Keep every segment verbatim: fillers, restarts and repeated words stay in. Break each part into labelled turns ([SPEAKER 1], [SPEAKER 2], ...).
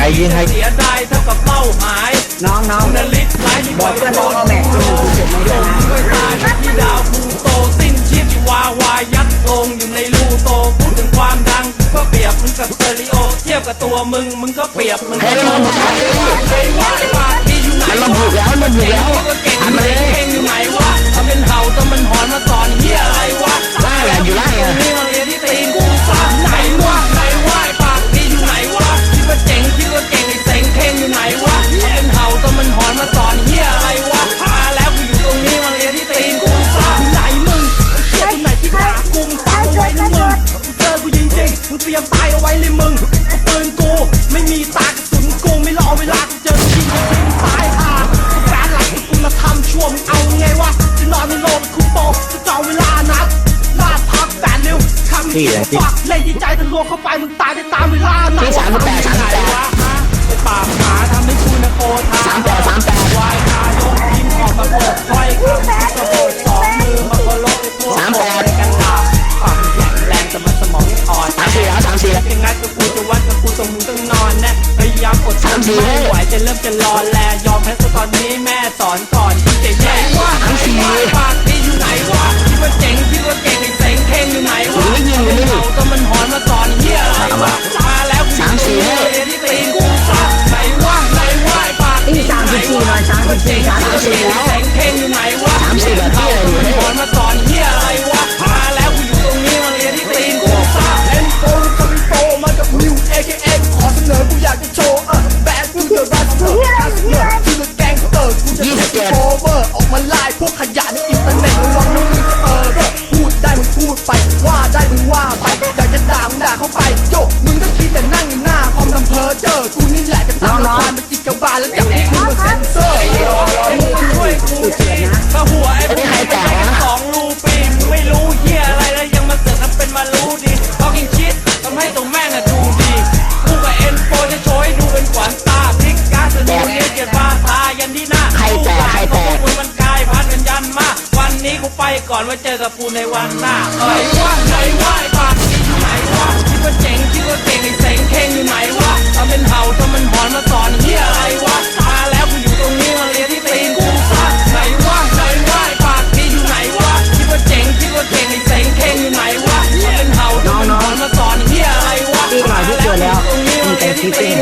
[SPEAKER 1] ยิงใคร
[SPEAKER 2] เสียดายเท่ากับเป้าหมาย
[SPEAKER 3] น้องน้อง
[SPEAKER 2] นาฬิกา
[SPEAKER 3] บอกเพื่อนน้องเอาแม็กซ์ที่มึงเก็บมาด้วยนะ
[SPEAKER 2] ด้วยตาที่ดาวพูโตสิ้นชีพที่วาวายัดลงอยู่ในรูโตพูดถึงความดังก็เปรียบมึงกับสเตอริโอเทียบกับตัวมึงมึงก็เปรียบมึงก็ต้องใช้ใช้ว่าไอ้ปากที่อยู่ไหน
[SPEAKER 1] มันบุกแล้วมันบุกแล้ว
[SPEAKER 2] เก่งมันเก่งอยู่ไหนวะทำเป็นเห่าทำเป็นหอนมาสอนเฮียอะไรวะ
[SPEAKER 1] ล่าแหละอยู่ล่าอ่ะ
[SPEAKER 2] นี่มาเรียนที่ตีนกูสามไหนวะไหนวะไอ้ปากที่อยู่ไหนวะคิดว่าเจ๋งคิดว่าเก่งไอ้เซ็งเข่งอยู่ไหนวะทำเป็นเห่าทำเป็นหอนมาสอนเฮียอะไรวะมาแล้วกูอยู่ตรงนี้มาเรียนที่ตีนกูสามไหนมึงเชี่ยตรงไหนที่ด่ากูมึงฟังเอาไว้นะมึงเจอกูจริงๆมึงเตรียมตายเอาไว้เลยมึงปืนกูไม่มีตากระสุนกูไม่รอเวลากูเจอจริงจริงตายห่าแฟนหลักกูมาทำชั่วมึงเอาไงวะจะนอนในโรงคุปโปจะจองเวลานัดลาพักแฟนเร็วคำที่ฝากเล่นดีใจแต่ลวงเข้าไปมึงตายได้ตามเวลานัด
[SPEAKER 1] ที่สามสิบแปดสามสิบแปด
[SPEAKER 2] ไอ้ปากหมาทำให้กูนะโกธา
[SPEAKER 1] สามแปดสามแปด
[SPEAKER 2] วายคายกยิ้มออกมาเปิดถ้อยคำกระโดดสองมือมาโคโลไอ้พวกสามแปดกันดาปากแข็งแรงแต่มันสมองไม่อ่อน
[SPEAKER 1] สามสี่แล้วสามสี่แล้ว
[SPEAKER 2] ยังไงก็กูจะวัดกับกูตรงมึงต้องนอนนะพยายามอดทนไม่ไหวจะเริ่มจะรอแลยอมแพ้ซะตอนนี้แม่สอนก่อนที่จะแย่ว่าไอ้ปากที่อยู่ไหนวะคิดว่าเจ๋งคิดว่าเก่งไอ้เซ็งเข่งอยู่ไหนวะ
[SPEAKER 1] ไม่ยิงไม่ยิง
[SPEAKER 2] ก็มันหอนมาสอนเฮียอะไรวะมาแล้วกูที่ตีนกูซัดไหนวะไหนวะไอ้ปากที่
[SPEAKER 3] สามสิบสี่หน่อยสามสิบสี่สามสิบสี่แล้ว
[SPEAKER 2] เซ็งเข่งอยู่ไหนวะ
[SPEAKER 1] สามสี่แบบที่อะไรอยู่
[SPEAKER 2] หอนมาสอนเฮียอะไรวะมาแล้วกูอยู่ตรงนี้มาเรียนที่ตีนกูซัดเอ็นโฟร์คอมโตมากับนิวเอเคเอ็กขอเสนอกูอยากจะโชว์เออแบดกูเดอะแบดเตอร์คัสเนอร์คือแกงเตอร์กูจะเป็นโอเวอร์ออกมาไล่พวกขยะในอินเทอร์เน็ตระวังน้องมึงจะเออพูดได้มึงพูดไปว่าได้มึงว่าไปอยากจะด่ามึงด่าเข้าไปโยมึงต้องคิดแต่นั่งอยู่หน้าคอมทำเพอเจอกูนี่แหละจะตามละครมันจิกกระบาลแล้วจับให้กูมาเซ็นเซอร์ช่วยกูทีถ้าหัวไอ้พวกนี้เป็นสองรูปีมึงไม่รู้เฮียอะไรแล้วยังมาเสือกทำเป็นมารู้ดีพอกินชิดทำให้ตรงแม่งอะดูดีกูกับเอ็นโฟจะโชว์ให้ดูเป็นขวัญตาพลิกการสนุกเนี้ยเกียรติบาทายันที่หน้า
[SPEAKER 1] ใครแตกใครแตก
[SPEAKER 2] มันกายพันกันยันมาวันนี้กูไปก่อนไว้เจอกับกูในวันหน้าเอ้ยว่าไหนว่าไอ้ปากที่อยู่ไหนวะคิดว่าเจ๋งคิดว่าเก่งไอ้เซ็งเข่งอยู่ไหนวะทำเป็นเห่าทำเป็นหอนมาสอนเฮียอะไรวะมาแล้วกูอยู่ตรงนี้มาเรียนที่ตีนกูซัดไหนว่าไหนว่าไอ้ปากที่อยู่ไหนวะคิดว่าเจ๋งคิดว่าเก่งไอ้เซ็งเข่งอยู่ไหนวะทำเป็นเห่าทำเป็นหอนมาสอนเฮียอะไรวะ
[SPEAKER 3] ตีหน่อยที่เกิดแล้วมีแต่ที่ตี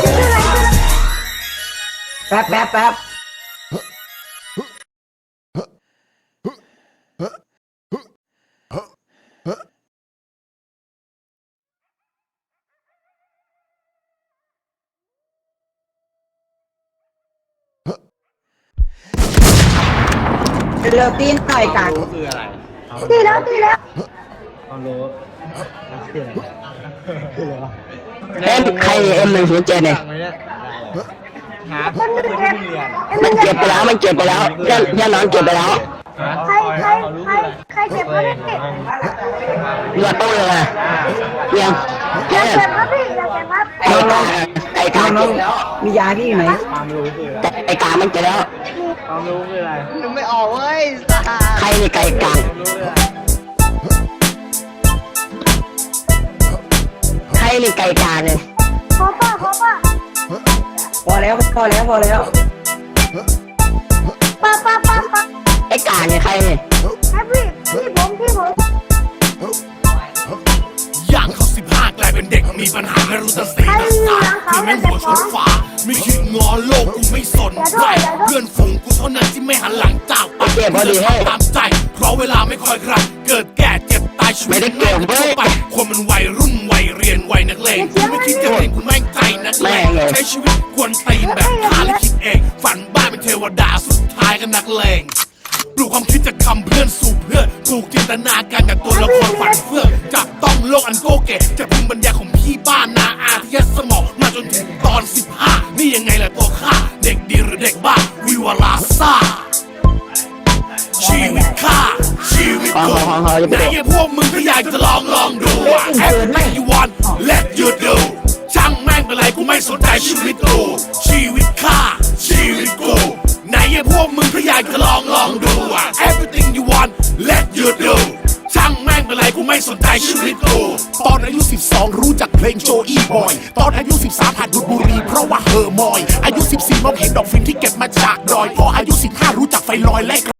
[SPEAKER 3] แป๊บแป๊บแป๊บเร็วตีนหน่อยกัน
[SPEAKER 4] คืออะไร
[SPEAKER 5] ตีแล้วตีแล้ว
[SPEAKER 4] ความรู้คืออะไรคืออะไรวะ
[SPEAKER 1] เอ็มใครเอ็มหนึ่งศูนย์เจ็ดเนี่ย
[SPEAKER 4] หาคนที่เรียน
[SPEAKER 1] มันเก็บไปแล้วมันเก็บไปแล้วเพื่อนเพื่อนน้องเก็บไปแล้ว
[SPEAKER 5] ใครใครใครใครเก็บครับพี่
[SPEAKER 1] เลือดตู้เลยยัง
[SPEAKER 5] อยากเก็บครับพี่อยากเก็บครับ
[SPEAKER 1] ไอ้กาไอ้กาน้อง
[SPEAKER 3] มียาพี่ไหม
[SPEAKER 4] ความรู้คืออะไร
[SPEAKER 1] ไอ้กามันเก็บแล้ว
[SPEAKER 4] ความรู้คืออะไรนึกไม่ออกเว้ย
[SPEAKER 1] ใครนี่ไก่กาใครนี่ไก่กาเนี่ย
[SPEAKER 5] ขอป้าขอป้า
[SPEAKER 3] พอแล้วพอแล้วพอแล้ว
[SPEAKER 5] ป้าป้าป้าป้า
[SPEAKER 1] ไอ้กาเนี่ยใครเนี่ย
[SPEAKER 5] พี่พี่ผมพี่ผม
[SPEAKER 2] ย่างเขาสิบห้ากลายเป็นเด็กมีปัญหาไม่รู้จะสีจะสาคือแม่งหัวชนฟ้าไม่คิดงอโลกกูไม่สนใจเพื่อนฝูงกูเท่านั้นที่ไม่หันหลังจากไป
[SPEAKER 1] เก็บพอดีให้
[SPEAKER 2] ตามใจเพราะเวลาไม่คอยใครเกิดแก่เจ็บตายชีวิตแม่งเข้าไปคนมันวัยรุ่นวัยเรียนวัยนักเลงกูไม่คิดจะเรียนกูแม่งใจนักเลงใช้ชีวิตกวนตีนแบบขาและคิดเองฝันบ้าเป็นเทวดาสุดท้ายก็นักเลงปลูกความคิดจากคำเพื่อนสู่เพื่อนปลูกจินตนาการจากตัวละครฝันเฟื่องจับต้องโลกอันโกเกะจากภูมิปัญญาของพี่บ้านนาอาที่ยัดสมองมาจนถึงตอนสิบห้านี่ยังไงล่ะตัวข้าเด็กดีหรือเด็กบ้าวิวลาซ่าชีวิตข้าชีวิตกูไหนไอ้พวกมึงก็อยากจะลองลองดู Everything you want let you do ช่างแม่งเป็นไรกูไม่สนใจชีวิตกูชีวิตข้าชีวิตกูไหนไอ้พวกมึงก็อยากจะลองลองดู Everything you want let you do ช่างแม่งเป็นไรกูไม่
[SPEAKER 6] สนใจชีวิตกูตอนอายุสิบสองรู้จักเพลงโจอี้บอยตอนอายุสิบสามหัดดูดบุหรี่เพราะว่าเฮอร์มอยอายุสิบสี่มองเห็นดอกฟินที่เก็บมาจากดอยพออายุสิบห้ารู้จักไฟลอยและ